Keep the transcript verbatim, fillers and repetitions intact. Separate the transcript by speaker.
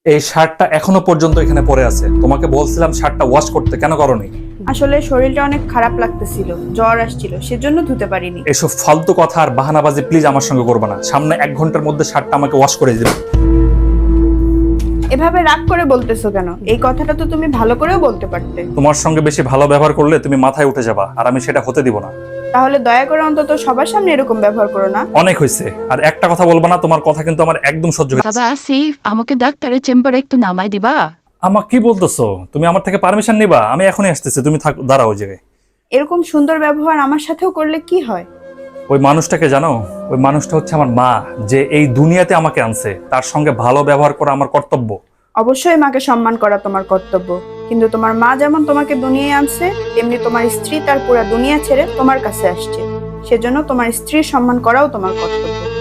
Speaker 1: এই শার্টটা এখনো পর্যন্ত এখানে পড়ে আছে। তোমাকে বলছিলাম শার্টটা ওয়াশ করতে, কেন করোনি?
Speaker 2: আসলে শরীরটা অনেক খারাপ লাগতেছিল, জ্বর আসছিল, সেজন্য ধুতে পারিনি।
Speaker 1: এসব ফালতু কথা আর বাহানাবাজি প্লিজ আমার সঙ্গে করবে না। সামনে এক ঘন্টার মধ্যে শার্টটা আমাকে ওয়াশ করে দিবে।
Speaker 2: এভাবে রাগ করে বলতেছো কেন? এই কথাটা তো তুমি ভালো করেও বলতে পারতে।
Speaker 1: তোমার সঙ্গে বেশি ভালো ব্যবহার করলে তুমি মাথায় উঠে যাবা, আর আমি সেটা হতে দিব না।
Speaker 2: তাহলে দয়া করে অন্তত সবার সামনে এরকম ব্যবহার করো না।
Speaker 1: অনেক হয়েছে, আর একটা কথা বলবা না। তোমার কথা কিন্তু আমার একদম সহ্য হচ্ছে।
Speaker 3: বাবা আসিফ, আমাকে ডাক্তারের চেম্বারে একটু নামাই দিবা?
Speaker 1: আমার কি বলতেছো? তুমি আমার থেকে পারমিশন নিবা? আমি এখনই আসতেছি, তুমি থাক, দাঁড়াও ওই জায়গায়।
Speaker 2: এরকম সুন্দর ব্যবহার আমার সাথেও করলে কি হয়?
Speaker 1: ওই মানুষটাকে জানো? ওই মানুষটা হচ্ছে আমার মা, যে এই দুনিয়াতে আমাকে আনছে। তার সঙ্গে ভালো ব্যবহার করা আমার কর্তব্য।
Speaker 2: অবশ্যই মাকে সম্মান করা তোমার কর্তব্য, কিন্তু তোমার মা যেমন তোমাকে দুনিয়ায় আনছে, তেমনি তোমার স্ত্রী তার পুরো দুনিয়া ছেড়ে তোমার কাছে আসছে। সেজন্য তোমার স্ত্রীর সম্মান করাও তোমার কর্তব্য।